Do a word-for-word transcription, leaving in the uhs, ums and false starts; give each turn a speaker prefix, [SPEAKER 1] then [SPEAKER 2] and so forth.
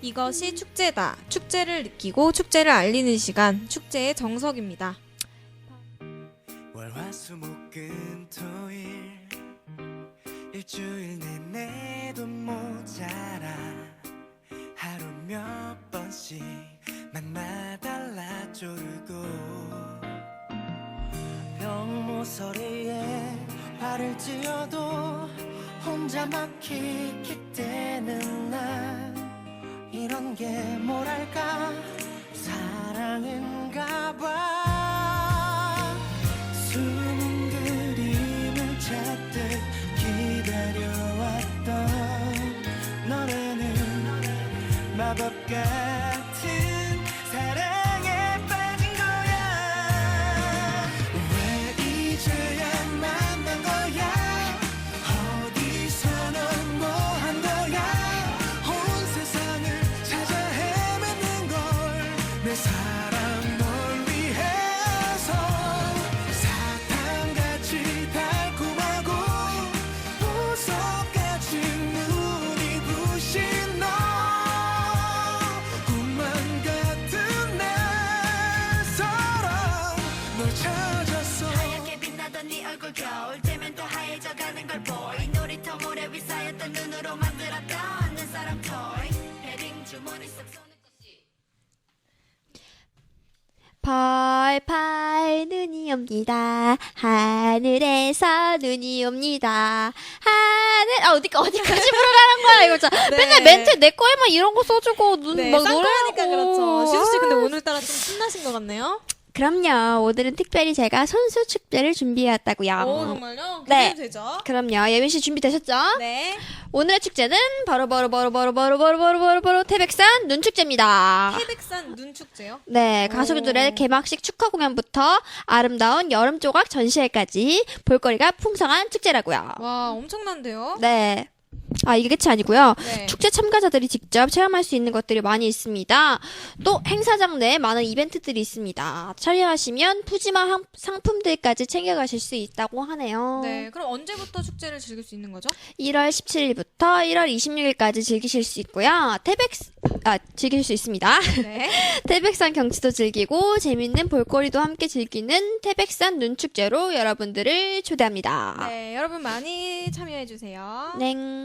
[SPEAKER 1] 이것이 축제다. 축제를 느끼고 축제를 알리는 시간, 축제의 정석입니다.
[SPEAKER 2] 월화수목금토일 일주일 내내도 모자라 하루 몇 번씩 맘마달라 쪼르고 병모서리에 화를 지어도 혼자 막 킥킥대는 날 이런 게 뭐랄까 사랑인가 봐 숨은 그림을 찾듯 기다려왔던 너네는 마법 같은 사랑에 빠진 거야 왜 이제야 만난 거야 어디서 넌 뭐 한 거야 온 세상을 찾아 헤매는 걸 내 사랑 널 위해서 사탕같이 달콤하고 보석같이 눈이 부신 너 꿈만 같은 내 사랑 널 찾았어
[SPEAKER 3] 하얗게 빛나던 네 얼굴 겨울 되면 더 하얘져가는 걸 보이 놀이터 모래 위 쌓였던 눈으로 만들었던 내 사랑 토이 패딩 주머니 속 손을
[SPEAKER 4] 펄펄 눈이 옵니다. 하늘에서 눈이 옵니다. 하늘 아 어디 어디까지 부르라는 거야 이거 진짜.
[SPEAKER 1] 네.
[SPEAKER 4] 맨날 멘트 내 거에만 이런 거 써주고 눈
[SPEAKER 1] 네,
[SPEAKER 4] 막
[SPEAKER 1] 쌍꺼니까
[SPEAKER 4] 노래하고.
[SPEAKER 1] 그렇죠. 시수 씨 근데
[SPEAKER 4] 아,
[SPEAKER 1] 오늘따라 좀 신나신 것 같네요.
[SPEAKER 4] 그럼요. 오늘은 특별히 제가 손수 축제를 준비해왔다고요.
[SPEAKER 1] 오 정말요?
[SPEAKER 4] 네.
[SPEAKER 1] 기대도 되죠?
[SPEAKER 4] 그럼요. 예빈 씨 준비되셨죠?
[SPEAKER 1] 네.
[SPEAKER 4] 오늘의 축제는 바로 바로 바로 바로 바로 바로 바로 바로 바로 태백산 눈축제입니다.
[SPEAKER 1] 태백산 눈축제요?
[SPEAKER 4] 네,
[SPEAKER 1] 오.
[SPEAKER 4] 가수들의 개막식 축하 공연부터 아름다운 여름 조각 전시회까지 볼거리가 풍성한 축제라고요.
[SPEAKER 1] 와 엄청난데요?
[SPEAKER 4] 네. 아, 이게 끝이 아니고요.
[SPEAKER 1] 네.
[SPEAKER 4] 축제 참가자들이 직접 체험할 수 있는 것들이 많이 있습니다. 또 행사장 내에 많은 이벤트들이 있습니다. 참여하시면 푸짐한 상- 상품들까지 챙겨가실 수 있다고 하네요.
[SPEAKER 1] 네. 그럼 언제부터 축제를 즐길 수 있는 거죠?
[SPEAKER 4] 일월 십칠일부터 일월 이십육일까지 즐기실 수 있고요. 태백 아 즐길 수 있습니다.
[SPEAKER 1] 네.
[SPEAKER 4] 태백산 경치도 즐기고 재밌는 볼거리도 함께 즐기는 태백산 눈축제로 여러분들을 초대합니다.
[SPEAKER 1] 네. 여러분 많이 참여해 주세요.
[SPEAKER 4] 넹.